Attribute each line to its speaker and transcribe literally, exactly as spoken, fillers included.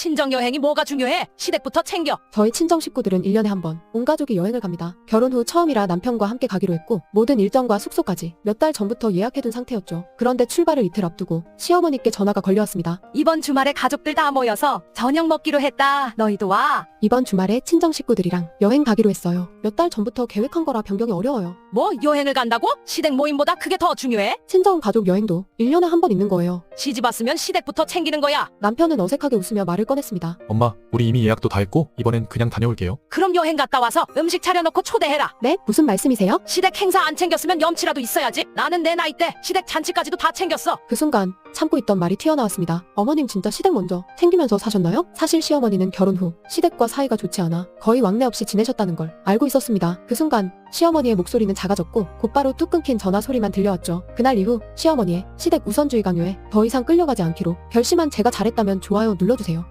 Speaker 1: 친정여행이 뭐가 중요해? 시댁부터 챙겨.
Speaker 2: 저희 친정 식구들은 일 년에 한 번 온 가족이 여행을 갑니다. 결혼 후 처음이라 남편과 함께 가기로 했고 모든 일정과 숙소까지 몇 달 전부터 예약해둔 상태였죠. 그런데 출발을 이틀 앞두고 시어머니께 전화가 걸려왔습니다.
Speaker 1: 이번 주말에 가족들 다 모여서 저녁 먹기로 했다. 너희도 와.
Speaker 2: 이번 주말에 친정 식구들이랑 여행 가기로 했어요. 몇 달 전부터 계획한 거라 변경이 어려워요.
Speaker 1: 뭐 여행을 간다고? 시댁 모임보다 그게 더 중요해?
Speaker 2: 친정 가족 여행도 일 년에 한 번 있는 거예요.
Speaker 1: 시집 왔으면 시댁부터 챙기는 거야.
Speaker 2: 남편은 어색하게 웃으며 말을 꺼냈습니다.
Speaker 3: 엄마, 우리 이미 예약도 다 했고 이번엔 그냥 다녀올게요.
Speaker 1: 그럼 여행 갔다 와서 음식 차려놓고 초대해라.
Speaker 2: 네? 무슨 말씀이세요?
Speaker 1: 시댁 행사 안 챙겼으면 염치라도 있어야지. 나는 내 나이 때 시댁 잔치까지도 다 챙겼어.
Speaker 2: 그 순간 참고 있던 말이 튀어나왔습니다. 어머님 진짜 시댁 먼저 챙기면서 사셨나요? 사실 시어머니는 결혼 후 시댁과 사이가 좋지 않아 거의 왕래 없이 지내셨다는 걸 알고 있었습니다. 그 순간 시어머니의 목소리는 작아졌고 곧바로 뚝 끊긴 전화 소리만 들려왔죠. 그날 이후 시어머니의 시댁 우선주의 강요에 더 이상 끌려가지 않기로 결심한 제가 잘했다면 좋아요 눌러주세요.